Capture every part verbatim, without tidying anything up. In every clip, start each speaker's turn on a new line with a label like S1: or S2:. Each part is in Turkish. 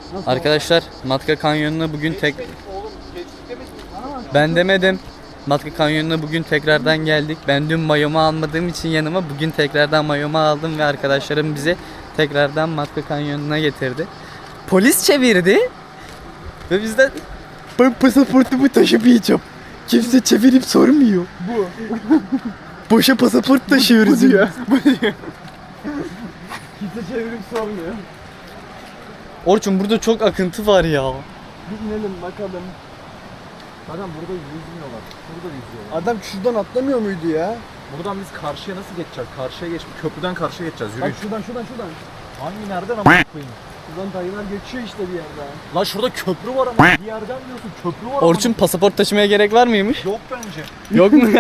S1: Arkadaşlar Matka Kanyonu'na bugün tek... Ben demedim. Matka Kanyonu'na bugün tekrardan geldik. Ben dün mayomu almadığım için yanıma bugün tekrardan mayomu aldım ve arkadaşlarım bize tekrardan Matka Kanyonu'na getirdi. Polis çevirdi ve bizden ben pasaportumu taşımayacağım. Kimse çevirip sormuyor. Bu. Boşa pasaport taşıyoruz. Bu diyor. Bu diyor.
S2: Kimse çevirip sormuyor.
S1: Orçun burada çok akıntı var ya.
S2: Bir inelim bakalım.
S3: Adam burada yüzmüyorlar. Burada yüzüyorlar.
S2: Adam şuradan atlamıyor muydu ya?
S3: Buradan biz karşıya nasıl geçeceğiz? Karşıya geç, köprüden karşıya geçeceğiz.
S2: Bak
S3: Yürü.
S2: şuradan şuradan şuradan.
S3: Hangi nereden ama koyayım?
S2: Şuradan dayılar geçiyor işte bir yerden.
S3: Lan şurada köprü var ama bir yerden diyorsun köprü var
S1: Orçun pasaport taşımaya gerek var mıymış?
S3: ama. Yok bence.
S1: Yok mu?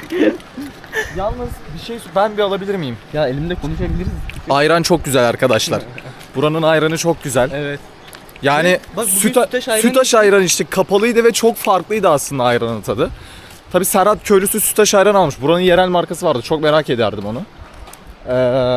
S3: Yalnız bir şey ben bir alabilir miyim?
S1: Ya elimde konuşabiliriz.
S3: Ayran çok güzel arkadaşlar. Buranın ayranı çok güzel.
S1: Evet.
S3: Yani
S1: Bak bugün
S3: süta,
S1: sütaş ayran
S3: sütaş ayran içtik. Kapalıydı ve çok farklıydı aslında ayranın tadı. Tabi Serhat köylüsü sütaş ayran almış. Buranın yerel markası vardı. Çok merak ederdim onu. Ee,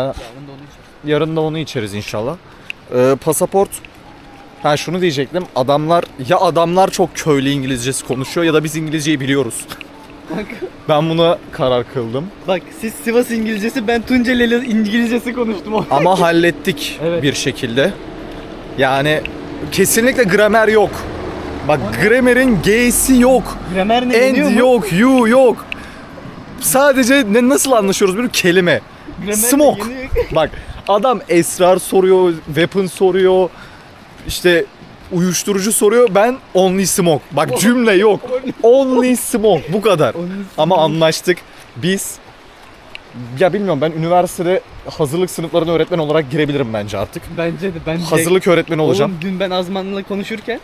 S3: yarın da onu içeriz inşallah. Ee, pasaport. Ha şunu diyecektim. Adamlar ya adamlar çok köylü İngilizcesi konuşuyor ya da biz İngilizceyi biliyoruz. Ben buna karar kıldım.
S1: Bak siz Sivas İngilizcesi, ben Tunceli İngilizcesi konuştum.
S3: Ama hallettik
S1: Evet.
S3: bir şekilde. Yani kesinlikle gramer yok. Bak gramer'in G'si yok.
S1: Gramer ne
S3: And
S1: biliyor mu?
S3: yok, you yok. Sadece ne nasıl anlaşıyoruz bir kelime.
S1: Gramer
S3: Smoke.
S1: ne yeni-
S3: Bak adam esrar soruyor, weapon soruyor. İşte uyuşturucu soruyor. Ben only smoke. Bak cümle yok. Only smoke. Bu kadar. Ama anlaştık. Biz ya bilmiyorum ben üniversitede hazırlık sınıflarına öğretmen olarak girebilirim bence artık.
S1: Bence de ben de-
S3: Hazırlık öğretmeni olacağım.
S1: Oğlum dün ben Azman'la konuşurken,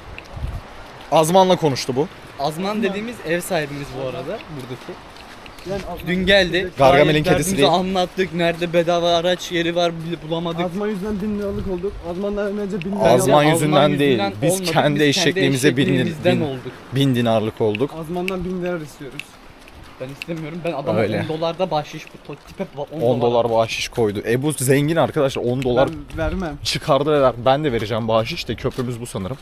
S3: Azman'la konuştu bu.
S1: Azman dediğimiz ev sahibimiz bu arada buradaki.
S2: Yani Azman-
S1: Dün geldi.
S3: Gargamel'in
S1: gayet
S3: kedisi
S1: derdimizi
S3: değil.
S1: anlattık. Nerede bedava araç yeri var bile bulamadık.
S2: Azman yüzünden bin liralık olduk. Azmandan önce bin liralık.
S3: Azman
S1: Azman
S3: yüzünden değil. Biz
S1: olmadık,
S3: kendi eşekliğimize bin-
S1: eşekliğimizden
S3: bin-
S1: olduk.
S3: Bin dinarlık olduk.
S2: Azmandan bin lira istiyoruz.
S1: Ben istemiyorum. Ben adama
S3: Öyle.
S1: on dolarda bahşiş bu to- tipe on,
S3: on dolar bahşiş koydu. E bu zengin arkadaşlar on dolar
S2: Ben vermem.
S3: çıkardı ve ver. Ben de vereceğim bahşiş de köprümüz bu sanırım.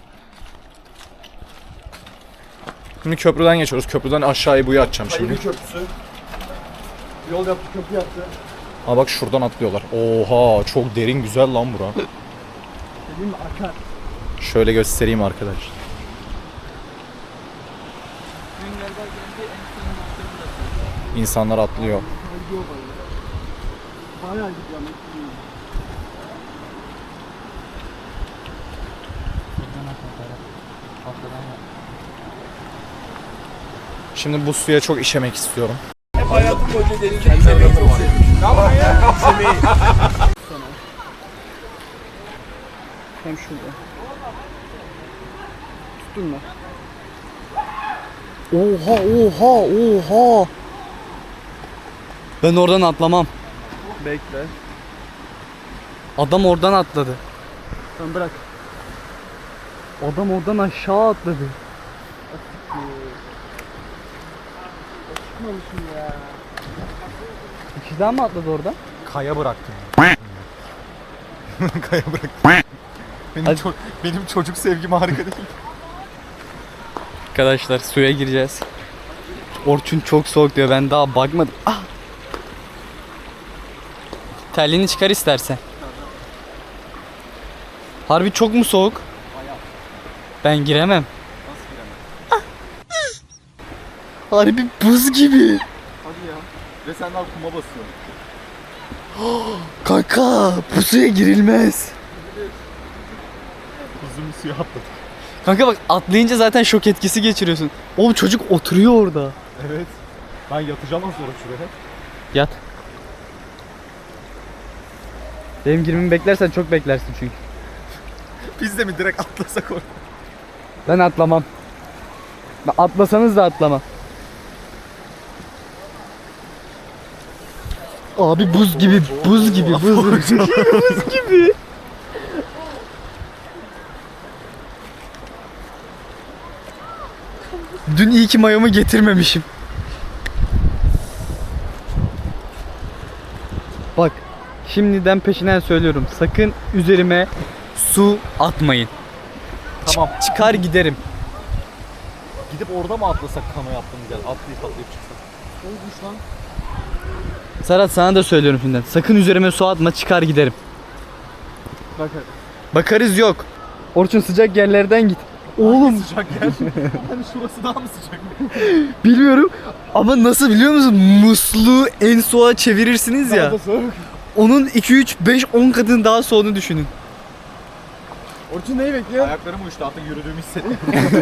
S3: Şimdi köprüden geçiyoruz. Köprüden aşağıya buyu atacağım şimdi.
S2: köprüsü. Yol yaptı, köprü yaptı.
S3: Ha bak şuradan atlıyorlar. Oha çok derin güzel lan bura.
S2: Dediğim mi akar.
S3: Şöyle göstereyim arkadaşlar. İnsanlar atlıyor.
S2: Gidiyor bayağı. Bayağı gidiyor ama.
S3: Şimdi bu suya çok işemek istiyorum.
S1: Hem şurada. Tuttun mu? Oha oha oha. Ben oradan atlamam.
S2: Bekle.
S1: Adam oradan atladı.
S2: Tamam bırak.
S1: Adam oradan aşağı atladı.
S2: Çıkmamışım ya.
S1: İki daha mı atladı oradan?
S3: Kaya bıraktım. Kaya bıraktım. Benim,
S1: Hadi.
S3: ço- benim çocuk sevgim harika değil.
S1: Arkadaşlar suya gireceğiz. Orçun çok soğuk diyor. Ben daha bakmadım. Ah! Terliğini çıkar istersen. Harbi çok mu soğuk? Ben giremem. Ah! Harbi buz gibi.
S3: Hadi ya. Ve sen daha kuma basıyorsun.
S1: Kanka bu suya girilmez.
S3: Uzun suya atladık.
S1: Kanka bak atlayınca zaten şok etkisi geçiriyorsun. Oğlum çocuk oturuyor orada.
S3: Evet. Ben yatacağım az sonra şuraya.
S1: Yat. Benim girmemi beklersen çok beklersin çünkü.
S3: Biz de mi direkt atlasak oraya?
S1: Ben atlamam. Ben atlasanız da atlamam. Abi buz gibi, buz gibi, buz, buz gibi. Dün iyi ki mayomu getirmemişim. Bak, şimdiden peşinden söylüyorum. Sakın üzerime su atmayın.
S3: Tamam.
S1: Çıkar giderim.
S3: Gidip orada mı atlasak kano yaptığımız yer? Atlayıp atlayıp çıksak.
S2: Olmuş lan.
S1: Serhat sana da söylüyorum şimdiden. Sakın üzerime su atma, çıkar giderim.
S2: Bak hadi.
S1: Bakarız yok. Orçun sıcak yerlerden git. Oğlum
S3: Sıcak yer. Hani şurası daha mı sıcak?
S1: bilmiyorum ama nasıl biliyor musun? Musluğu en soğuğa çevirirsiniz ya.
S2: Daha da soğuk.
S1: Onun iki üç beş on katını daha soğuğunu düşünün.
S2: Orçun neyi bekliyor?
S3: Ayaklarım uyuştu artık yürüdüğümü hissettim.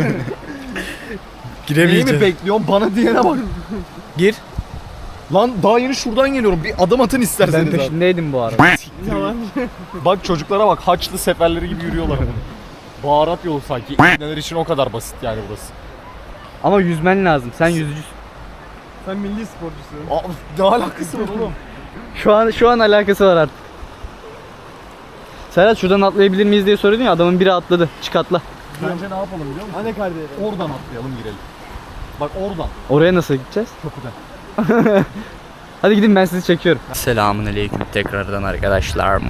S3: Neyi
S1: Giremeyeceğim.
S3: mi bekliyorsun? Bana diyene bak.
S1: Gir.
S3: Lan daha yeni şuradan geliyorum. Bir adım atın isterseniz.
S1: Ben
S3: abi.
S1: peşindeydim bu arada.
S2: Yalan.
S3: Bak çocuklara bak. Haçlı seferleri gibi yürüyorlar. Baharat yolu sanki. İğneler için o kadar basit yani burası.
S1: Ama yüzmen lazım. Sen yüzücüsün.
S2: Sen milli sporcusun.
S3: Aa, ne alakası var oğlum?
S1: Şu an şu an alakası var artık. Serhat şuradan atlayabilir miyiz diye soruyordun ya, adamın biri atladı. Çık atla.
S3: Bence ne yapalım biliyor musun?
S2: Anne kardeşim.
S3: Oradan atlayalım girelim. Bak oradan.
S1: Oraya nasıl gideceğiz?
S3: Kapıdan.
S1: Hadi gidin, ben sizi çekiyorum. Selamun aleyküm tekrardan arkadaşlar.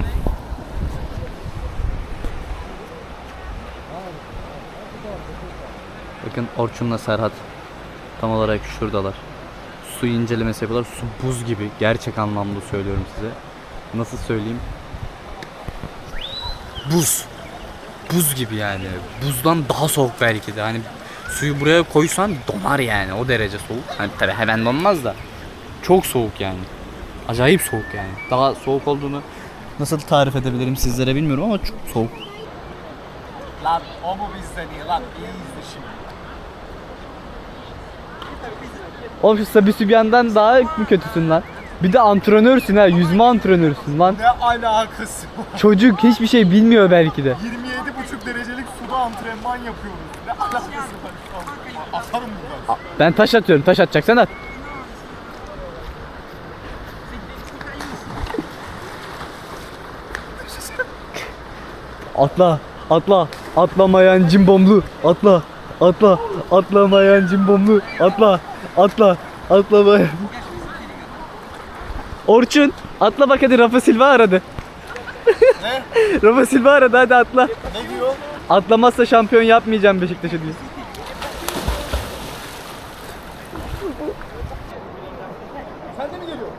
S1: Bakın Orçun'la Serhat tam olarak şuradalar. Su incelemesi yapıyorlar. Su buz gibi. Gerçek anlamda söylüyorum size. Nasıl söyleyeyim? Buz. Buz gibi yani. Buzdan daha soğuk belki de. Hani suyu buraya koysan donar yani. O derece soğuk. Hani tabii hemen donmaz da. Çok soğuk yani. Acayip soğuk yani. Daha soğuk olduğunu nasıl tarif edebilirim sizlere bilmiyorum ama çok soğuk.
S3: Lan o mu bizden iyi lan? İyi izle şimdi.
S1: Oğlum şu Sabi Sübyan'dan daha mı kötüsün lan? Bir de antrenörsün ha, yüzme antrenörsün lan.
S3: Ne alakası var?
S1: Çocuk hiçbir şey bilmiyor belki de.
S3: yirmi yedi buçuk derecelik suda antrenman yapıyoruz. Ne alakası var şu an? Atarım buradan.
S1: Ben taş atıyorum, taş atacaksan at. Atla, atla, atlamayan cimbomlu, atla, atla, atlamayan cimbomlu, atla, atla, atlamayan. Orçun, atla bak hadi, Rafa Silva aradı.
S3: Ne?
S1: Rafa Silva aradı, hadi atla.
S3: Ne diyor?
S1: Atlamazsa şampiyon yapmayacağım Beşiktaş'ı diyor.
S3: Sen de mi geliyorsun?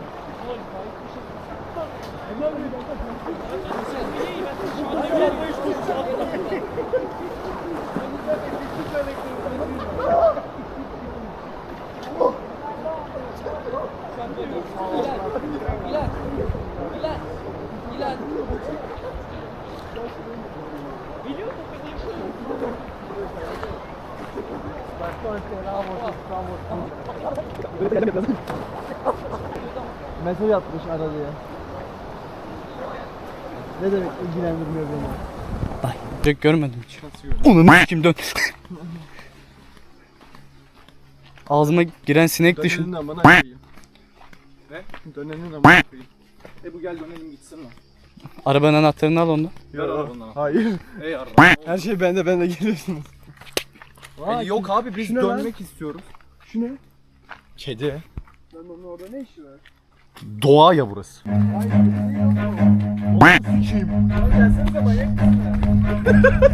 S2: Mesaj atmış aralıya. Ne demek ilgilendirmiyor beni?
S1: Ay, direkt görmedim hiç. Onu kim dön. Ağzıma giren sinek düşün.
S2: Dönenin amına koyayım.
S3: Ne?
S2: Dönenin amına koyayım.
S3: E bu gel dönelim gitsin lan.
S1: Arabanın anahtarını al ondan.
S2: Hayır.
S3: Ey arra.
S2: Her şey bende, bende geliyorsunuz.
S3: E, yok abi biz
S2: Şu ne lan?
S3: dönmek istiyoruz.
S2: Şu ne?
S3: Kedi.
S2: Lan onun orada ne işi var?
S3: Doğa ya burası.
S2: Gelsenize manyak mısın?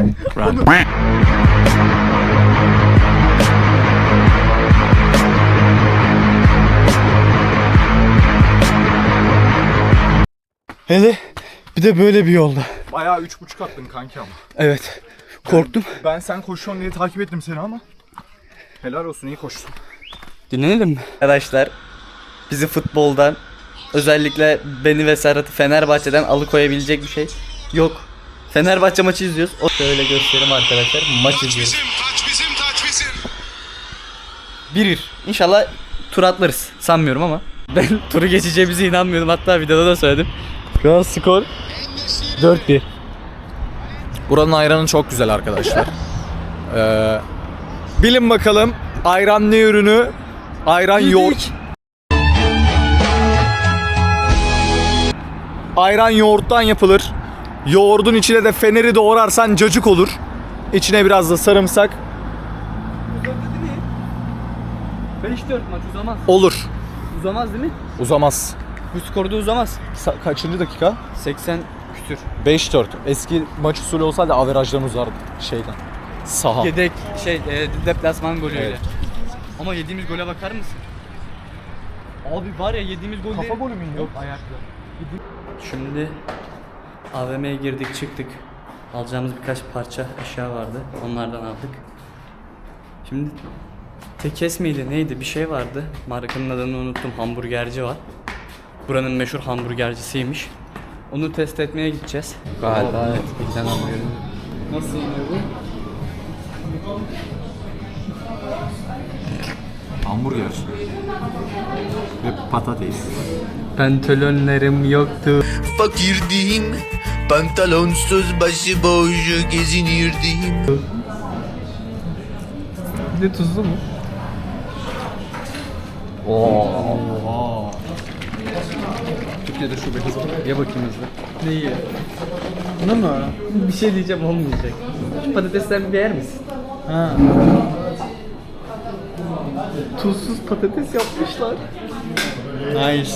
S1: Hele bir de böyle bir yolda.
S3: Bayağı üç buçuk attın kanki ama.
S1: Evet. Korktum.
S3: Ben sen koşuyorsun diye takip ettim seni ama. Helal olsun, iyi koştun.
S1: Dinlenelim mi? Arkadaşlar, bizi futboldan, özellikle beni ve Serhat'ı Fenerbahçe'den alıkoyabilecek bir şey yok. Fenerbahçe maçı izliyoruz. O şöyle göstereyim arkadaşlar. Maç izliyoruz.
S4: Taç bizim, taç bizim.
S1: bir bir. İnşallah tur atlarız. Sanmıyorum ama. Ben turu geçeceğimize inanmıyordum. Hatta videoda da söyledim. Şu an skor dört bir.
S3: Buranın ayranı çok güzel arkadaşlar. Ee, bilin bakalım ayran ne ürünü? Ayran yoğurt. Ayran yoğurttan yapılır. Yoğurdun içine de feneri doğrarsan cacık olur. İçine biraz da sarımsak
S1: beş dört maç uzamaz.
S3: olur.
S1: Uzamaz değil mi?
S3: Uzamaz.
S1: Bu skorda uzamaz.
S3: Sa- kaçıncı dakika?
S1: seksen küsür.
S3: beş dört. Eski maç usulü olsaydı averajdan uzardı şeyden. Saha.
S1: Yedek şey e, deplasman golüyle.
S3: Evet.
S1: Ama yediğimiz gole bakar mısın? Abi var ya yediğimiz gol
S2: Kafa golü müydü?
S1: Yok ayaklı. Şimdi A V M'ye girdik çıktık. Alacağımız birkaç parça eşya vardı. Onlardan aldık. Şimdi Tekes miydi neydi bir şey vardı. Markanın adını unuttum. Hamburgerci var. Buranın meşhur hamburgercisiymiş. Onu test etmeye gideceğiz. Galiba evet. Bizden hamburgeri. Nasıl oluyor bu?
S3: Hamburger. Ve patates.
S1: Pantolonlarım yoktu.
S4: Fakirdim, pantalonsuz başıboş gezinirdim.
S1: Bir de tuzlu mu?
S3: Oo. Türkiye'de şube hızlı. Ye bakayım hızlı.
S1: Neyi?
S2: Bunu mu?
S1: Bir şey diyeceğim olmayacak. Şu patatesten bir yer misin?
S2: Ha.
S1: Tuzsuz patates yapmışlar.
S2: Nice.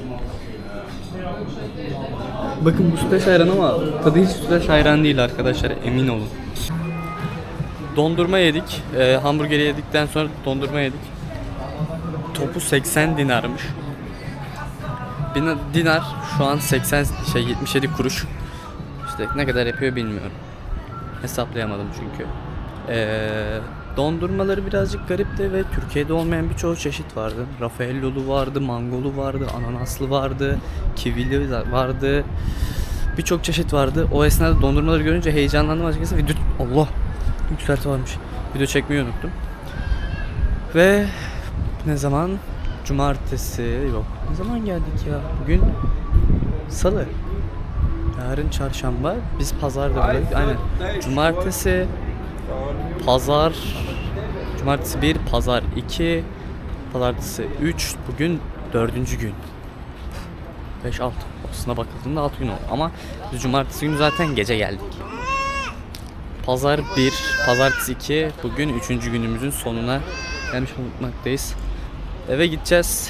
S1: Bakın bu sütlaç ayran ama tadı hiç sütlaç ayran değil arkadaşlar, emin olun. Dondurma yedik. Ee, hamburgeri yedikten sonra dondurma yedik. Topu seksen dinarmış. Bin- Dinar şu an seksen şey yetmiş yedi kuruş. İşte ne kadar yapıyor bilmiyorum. Hesaplayamadım çünkü. Ee, dondurmaları birazcık garipti ve Türkiye'de olmayan birçok çeşit vardı. Raffaellolu vardı, mangolu vardı, ananaslı vardı, kivili vardı. Birçok çeşit vardı. O esnada dondurmaları görünce heyecanlandım açıkçası. Video Allah yükselti varmış. Video çekmeyi unuttum. Ve ne zaman? Cumartesi yok. Ne zaman geldik ya? Bugün Salı. Yarın çarşamba. Biz pazarda buradayız. Aynen. Cumartesi, pazar, cumartesi bir, pazar iki, pazartesi üç, bugün dördüncü gün. beş altı. Aslına bakıldığında altı gün oldu. Ama biz cumartesi günü zaten gece geldik. Pazar bir, pazartesi iki, bugün üçüncü günümüzün sonuna gelmiş bulunmaktayız. Eve gideceğiz.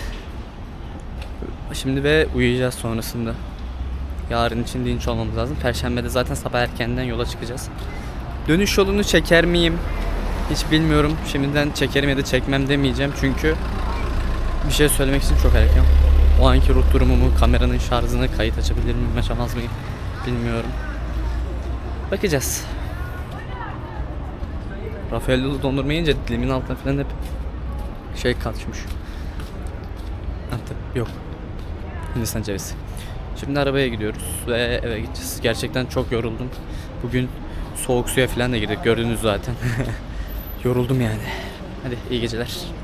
S1: Şimdi ve uyuyacağız sonrasında. Yarın için dinç olmamız lazım. Perşembede zaten sabah erkenden yola çıkacağız. Dönüş yolunu çeker miyim? Hiç bilmiyorum. Şimdiden çekerim ya da çekmem demeyeceğim. Çünkü bir şey söylemek için çok erken. O anki ruh durumumu, kameranın şarjını, kayıt açabilir miyim, açamaz mıyım bilmiyorum. Bakacağız. Raffaellolu dondurma yiyince dilimin altına falan hep şey kaçmış. Antep yok. Hindistan cevizi. Şimdi arabaya gidiyoruz ve eve gideceğiz. Gerçekten çok yoruldum. Bugün soğuk suya falan da girdik. Gördünüz zaten. Yoruldum yani. Hadi iyi geceler.